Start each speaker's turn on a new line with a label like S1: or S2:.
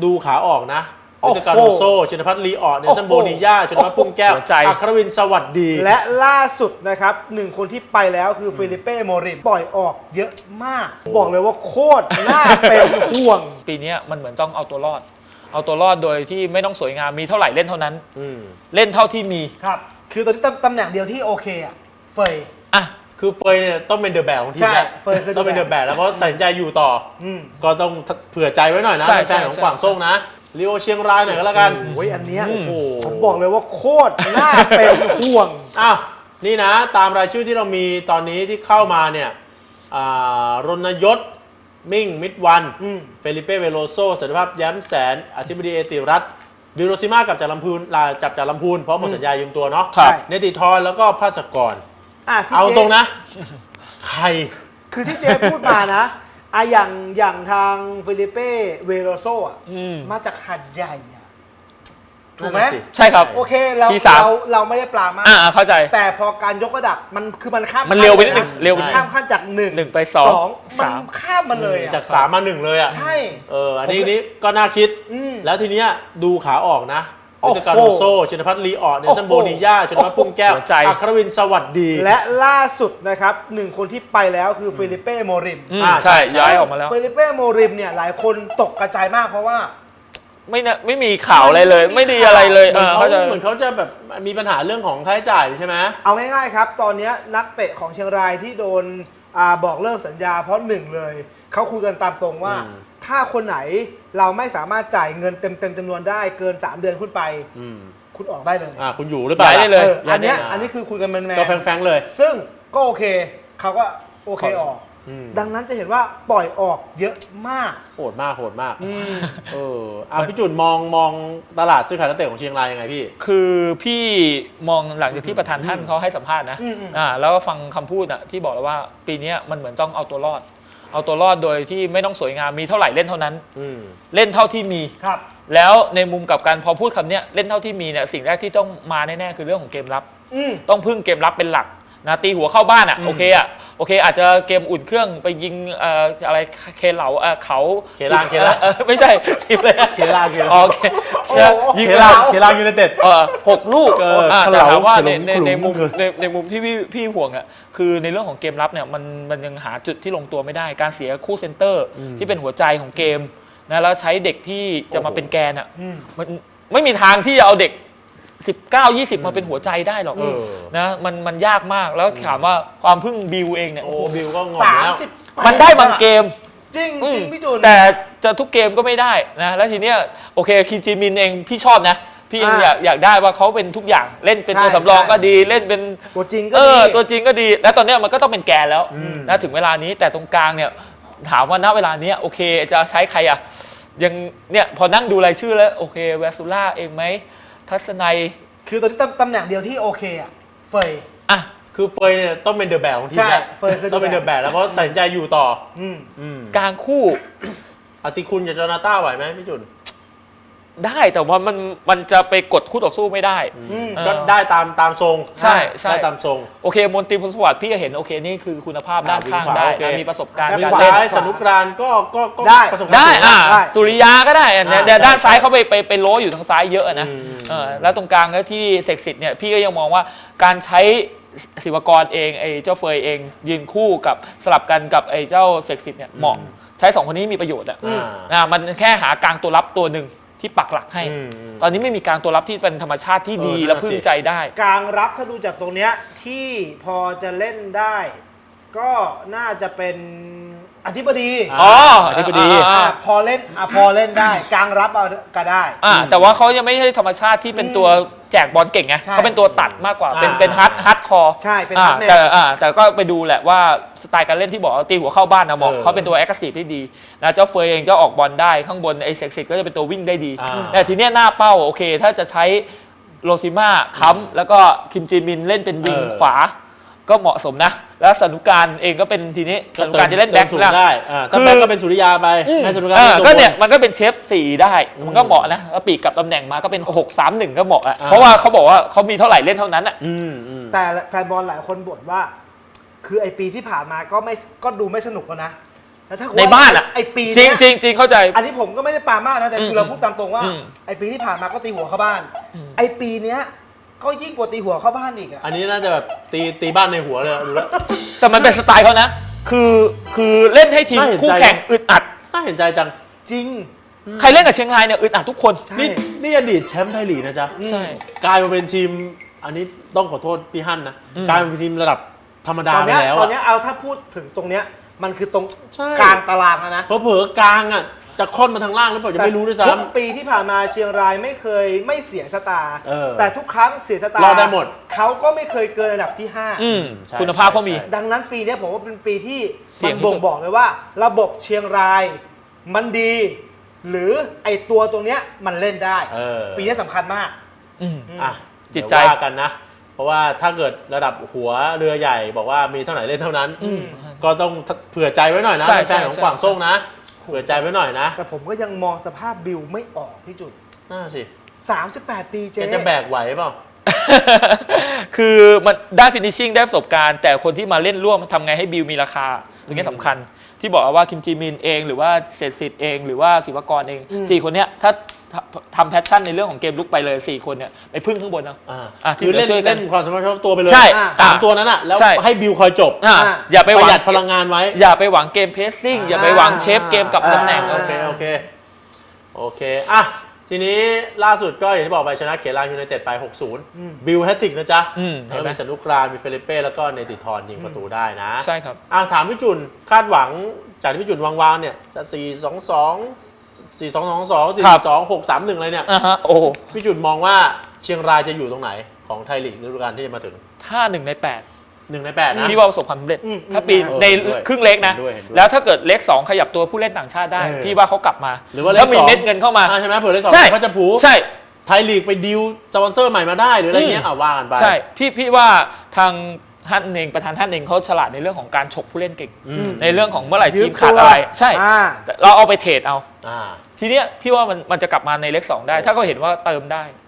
S1: ดูขาออกนะวิจการโรโซชินพัฒน์ลีออดเนสันโบนิยาชนพัฒน์พุ่งแก้วอัครวินสวัสดี
S2: และล่าสุดนะครับหนึ่งคนที่ไปแล้วคือฟิลิเป้โมริมปล่อยออกเยอะมากบอกเลยว่าโคตรน่าเป็นห่วง
S3: ปีนี้มันเหมือนต้องเอาตัวรอดโดยที่ไม่ต้องสวยงามมีเท่าไหร่เล่นเท่านั้นเล่นเท่าที่มี
S2: ครับคือตอนนี้ตำแหน่งเดียวที่โอเคอะเฟย
S3: อ่ะ
S1: คือเฟยเนี่ยต้องเป็นเดอะแบกของทีมแล้ว
S2: เฟยคือ
S1: ต้องเป็นเดอะแบกแล้วเพราะตัดสินใจอยู่ต่อก็ต้องเผื่อใจไว้หน่อยนะแฟนของกวางซ่งนะลีโอเชียงรายหน่อยก็แล้วกัน
S2: โอ้ยอันเนี้ยผมบอกเลยว่าโคตรน่าเป็นห่วง
S1: อ้าวนี่นะตามรายชื่อที่เรามีตอนนี้ที่เข้ามาเนี่ยรณยศมิ่งมิตรวันเฟลิเป้เวโลโซสันติภาพแย้มแสนอธิบดีเอติรัตน์ดิโรซิมากับจากลำพูนเพราะหมดสัญญายืมตัวเนาะเนติธรแล้วก็ภาสกรเอาตรงนะใคร
S2: คือที่เจพูดมานะอย่างทางฟิลิเป้เวโรโซมาจากหัดใหญ่ถูกไหม
S3: ใช่ครับ
S2: โอเคเราไม่ได้ปลามาก
S3: เข้าใจ
S2: แต่พอการยกระดับมันข้าม
S3: มันเร็วไปนิดนึงเร็ว
S2: ข้ามขั้นจาก1
S3: ไป2
S2: มันข้ามมาเลย
S1: จาก3มา1เลยอ่ะ
S2: ใช่
S1: อันนี้ก็น่าคิดแล้วทีเนี้ยดูขาออกนะวิจการโรโซชินพัฒน์ลีออดเนสันโบนิยาชนพัฒน์พุ่งแก้วอัครวินสวัสดี
S2: และล่าสุดนะครับหนึ่งคนที่ไปแล้วคือฟิลิเป้โมริม
S3: ใช่ย้ายออกมาแล้ว
S2: ฟิลิเป้โมริมเนี่ยหลายคนตกกระจายมากเพราะว่า
S3: ไม่มีข่าวอะไรเลยไม่ดีอะไรเลย
S1: เหมือนเขาจะแบบมีปัญหาเรื่องของค่าใช้จ่ายใช่ไหม
S2: เอาง่ายๆครับตอนนี้นักเตะของเชียงรายที่โดนบอกเลิกสัญญาเพราะ1เลยเขาคุยกันตามตรงว่าถ้าคนไหนเราไม่สามารถจ่ายเงินเต็มจำนวนได้เกิน3 เดือนขึ้นไปคุณออกได้เลย
S1: คุณอยู่หรือเปล่า
S3: ได้เลย
S2: อันนี้คือคุยกันแมน
S1: ก็แฟงๆเลย
S2: ซึ่งก็โอเคเขาก็โอเคออกดังนั้นจะเห็นว่าปล่อยออกเยอะมาก
S1: โหดมากพี่จุนมองตลาดซื้อขายนักเตะของเชียงรายยังไงพี่
S3: คือพี่มองหลังจากที่ประธานท่านเขาให้สัมภาษณ์นะแล้วก็ฟังคำพูดที่บอกแล้วว่าปีนี้มันเหมือนต้องเอาตัวรอดโดยที่ไม่ต้องสวยงามมีเท่าไหร่เล่นเท่านั้นเล่นเท่าที่มี
S2: ครับ
S3: แล้วในมุมกับการพอพูดคำนี้เล่นเท่าที่มีเนี่ยสิ่งแรกที่ต้องมาแน่ๆคือเรื่องของเกมรับต้องพึ่งเกมรับเป็นหลักนะตีหัวเข้าบ้านโอเคอาจจะเกมอุ่นเครื่องไปยิงอะไรเคเหลาเขา
S1: เคล่าง
S3: ไม่ใช่ทีมเลย
S1: เคล่าง
S3: ยิง
S1: เคล่างยูไนเต็ด
S3: 6 ลูกแต่ถามว่าในมุมที่พี่ห่วงคือในเรื่องของเกมรับเนี่ยมันยังหาจุดที่ลงตัวไม่ได้การเสียคู่เซนเตอร์ที่เป็นหัวใจของเกมนะแล้วใช้เด็กที่จะมาเป็นแกนมันไม่มีทางที่จะเอาเด็ก19-20มาเป็นหัวใจได้หรอกนะมันยากมากแล้วถามว่าความพึ่งบิวเองเนี่ย
S1: บิวก็งงแล้ว
S3: มันได้บางเกม
S2: จริงพี่จูน
S3: แต่จะทุกเกมก็ไม่ได้นะแล้วทีเนี้ยโอเคคินจิมินเองพี่ชอบนะพี่ยังอยากได้ว่าเขาเป็นทุกอย่างเล่นเป็นตัวสำรองก็ดีเล่นเป็น
S2: ตัวจริงก็ดี
S3: ตัวจริงก็ดีแล้วตอนเนี้ยมันก็ต้องเป็นแกนแล้วนะถึงเวลานี้แต่ตรงกลางเนี่ยถามว่าณเวลานี้โอเคจะใช้ใครยังเนี่ยพอนั่งดูรายชื่อแล้วโอเคแวซูล่าเองไหมทัศนัย
S2: คือตอนนี้ตำแหน่งเดียวที่โอเคเฟย
S1: คือเฟยเนี่ยต้องเป็นเดอะแบกของทีมแล้วต้องเป็นเดอะแบกแล้วเพราะตัดสินใจอยู่ต่
S3: กลางคู่
S1: อติคุณกับจอนาต้าไหวไหมพี่จุน
S3: ได้แต่ว่ามันจะไปกดคู่ต่อสู้ไม่ได้
S1: ก็ได้ตามทรง
S3: ใช่
S1: ได้ตามทรง
S3: โอเคมนตรีพลสวัสดิ์พี่ก็เห็นโอเคนี่คือคุณภาพด้านข้างได้มีประสบการณ์
S1: การเล่นสนุกรานก็
S2: ได้
S1: ประสบการณ์ได้
S3: สุริยาก็ได้แต่ด้านซ้ายเขาไปโล้อยู่ทางซ้ายเยอะนะแล้วตรงกลางก็ที่เสกสิทธิ์เนี่ยพี่ก็ยังมองว่าการใช้ศิวกรเองไอ้เจ้าเฟยเองยืนคู่กับสลับกันกับไอ้เจ้าเสกสิทธิ์เนี่ยเหมาะใช้2 คนนี้มีประโยชน์มันแค่หากลางตัวรับตัวหนึ่งที่ปักหลักให้ตอนนี้ไม่มีกลางตัวรับที่เป็นธรรมชาติที่ดีและพึ่งใจได้
S2: กลางรับถ้าดูจากตรงเนี้ยที่พอจะเล่นได้ก็น่าจะเป็นอธิบดี
S3: อธิบดี
S2: พอเล่นได้กลางรับก็ได้
S3: แต่ว่าเขายังไม่ใช่ธรรมชาติที่เป็นตัวแจกบอลเก่งไงเขาเป็นตัวตัดมากกว่าเป็นฮาร์ดคอร์
S2: ใช่เป็นฮาร์ดแมน
S3: แต่ก็ไปดูแหละว่าสไตล์การเล่นที่บอกตีหัวเข้าบ้านนะบอกเขาเป็นตัวแอคทีฟที่ดีนะเจ้าเฟยเองจะออกบอลได้ข้างบนไอ้เซ็กซิตก็จะเป็นตัววิ่งได้ดีแต่ทีเนี้ยหน้าเป้าโอเคถ้าจะใช้โรซิม่าค้ำแล้วก็คิมจีมินเล่นเป็นวิงขวาก็เหมาะสมนะแล้วสนุการเองก็เป็นทีนี้สนุการจะเล่นแบ็ค
S1: ได้ถ้าแบ็คก็เป็นสุริยาไปให้สนุการ
S3: ก็เนี่ยมันก็เป็นเชฟ4ได้มันก็เหมาะนะแล้วปีกกับตำแหน่งมาก็เป็น6-3-1ก็เหมาะเพราะว่าเขาบอกว่าเขามีเท่าไหร่เล่นเท่านั้น
S2: แต่แฟนบอลหลายคนบ่นว่าคือไอปีที่ผ่านมาก็ดูไม่สนุกแล้วนะแล้วถ้า
S3: ในบ้านอ่ะ
S2: ไอปี
S3: จริ
S2: เนี้
S3: ง
S2: ย
S3: จริงจริงเข้าใจ
S2: อันนี้ผมก็ไม่ได้ปามากนะแต่คือเราพูดตามตรงว่า
S3: อืม
S2: ไอปีที่ผ่านมาก็ตีหัวเข้าบ้าน ไอปีเนี้ยก็ยิ่งกว่าตีหัวเข้าบ้านอีกอ่ะ
S1: อันนี้น่าจะแบบตีบ้านในหัวเลยดูแล้ว
S3: แต่มันเป็นสไตล์เขานะ คือเล่นให้ทีม
S1: น่าเห็นใจ
S3: คู่แข่งอึดอัด
S1: น่าเห็นใจจัง
S2: จริง
S3: ใครเล่นกับเชียงรายเนี่ยอึดอัดทุกคน
S2: ใช่
S1: นี่อดีตแชมป์ไทยลีกนะจ๊ะ
S3: ใช่
S1: กลายมาเป็นทีม อันนี้ต้องขอโทษพี่ฮั่นนะ
S3: อืม
S1: กลายมาเป็นทีมระดับธรรมดา
S2: ตอน
S1: ไป
S2: เนี้ย
S1: แล้ว
S2: ตอน
S1: อะ
S2: เนี้ยเอาถ้าพูดถึงตรงเนี้ยมันคือตรง
S1: ใช่
S2: กลางตารางแล้วนะ
S1: เผลอๆกลางอ่ะจะค่อนมาทางล่างหรือเปล่าจะไม่รู้ด้วย
S2: ทุ
S1: ซ้ำ
S2: กปีที่ผ่านมาเชียงรายไม่เคยไม่เสียสตาร์
S1: เออ
S2: แต่ทุกครั้งเสียสตาร์
S1: รอดได้หมด
S2: เขาก็ไม่เคยเกินอันดับที่
S3: อืม
S1: ใช่
S3: คุณภาพเขามี
S1: ใช่
S2: 5 ดังนั้นปีเนี้ยผมว่าเป็นปีที่
S3: เสี่
S2: มั
S3: ยง
S2: น
S3: ที่สุด
S2: บ่งบอกเลยว่า ระบบเชียงรายมันดี หรือไอตัวตรงเนี้ยมันเล่นได้
S1: เออ
S2: ปีนี้สำคัญมาก
S3: อืม
S1: อ่ะ
S3: จิตใจ
S1: เดี๋ยวว่ากันนะ เพราะว่าถ้าเกิดระดับหัวเรือใหญ่บอกว่ามีเท่าไหร่เล่นเท่านั้น ก็ต้องเผื่อใจไว้หน่อยนะ
S3: ใช่
S1: แฟนๆของ
S3: ใช่
S1: กวางส่งนะ เผื่อใจไว้หน่อยนะ
S2: แต่ผมก็ยังมองสภาพบิลไม่ออกพี่จุด
S1: น่าสิ
S2: 38 ปี
S1: แก
S2: เจ๊
S1: จะแบกไหวเปล่า
S3: คือมันได้ฟินิชชิ่งได้ประสบการณ์ แต่คนที่มาเล่นร่วมทำไงให้บิลมีราคาตรงนี้สำคัญ ที่บอกว่าคิมจีมินเองหรือว่าเศรษฐศิษย์เองหรือว่าศิวกรเองสี่คนเนี้ยถ้าทำแพชชั่นในเรื่องของเกมลุกไปเลย4คนเนี่ยไปพึ่งข้างบนเอา ที่
S1: คือ
S3: เหลื
S1: เล่
S3: อน ช่วยกัน
S1: เล่นความสามารถเฉพาะตัวไปเลย
S3: ใช่
S1: สามตัวนั้นอ่ะ แล้ว
S3: ใช่
S1: ให้บิวคอยจบ
S3: อย่าไป
S1: ป
S3: ห
S1: ระ
S3: วั
S1: ห
S3: ง
S1: ยัดพลังงานไว้
S3: อย่าไปหวังเกมเพสซิ่งอย่าไปหวังเชฟเกมกับตำแหน่ง
S1: โอเคโอเคอ่ะทีนี้ล่าสุดก็อย่างที่บอกไปชนะเขลางยูไนเต็ดไป 60 บิลแฮตติกนะจ๊ะ
S3: เห็
S1: แล้ว
S3: นไหม
S1: มีสนุกรานมีเฟลิเป้แล้วก็เนติธรยิงประตูได้นะ
S3: ใช่ครับ
S1: ถามพี่จุนคาดหวังจากที่พี่จุนวางๆเนี่ยจะ 4-2-2
S3: ครับ
S1: 4-2-6-3-1อะไรเนี่ย
S3: โอ้
S1: พี่จุนมองว่าเชียงรายจะอยู่ตรงไหนของไทยลีกฤดูกาลที่จะมาถึง
S3: ถ้า1 ใน
S1: 1 ใน 8 นะ
S3: 8พี่ว่าประสบความสำเร็จ ถ้าปี
S1: เออ
S3: ใน
S1: เห็นด้วย
S3: ครึ่งเล็กนะ
S1: เห็นด้วยเห็นด้วย
S3: แล้วถ้าเกิดเล็ก 2 ขยับตัวผู้เล่นต่างชาติได้ พี่ว่าเขากลับมา
S1: หรือว่าเลข
S3: แล้วมี
S1: สอง
S3: เม็ดเงินเข้ามา
S1: ใช่ไหมเผื่อเลข
S3: ใช่
S1: 2ก็จะผู
S3: ใช่
S1: ไทยลีกไปดีลสปอนเซอร์ใหม่มาได้หรืออะไรเงี้ยว่ากันไป
S3: ใช่พี่ว่าทางท่านเองประธานท่านเองเขาฉลาดในเรื่องของการฉกผู้เล่นเก่ง ในเรื่องของเมื่อไหร่ทีมขาดอะไร ใช่ เราเอาไปเทรดเอา
S1: อ่า
S3: ทีเนี้ยพี่ว่ามันจะกลับมาในเลข 2 ได้ ถ้าเขาเห็นว่าเติมได้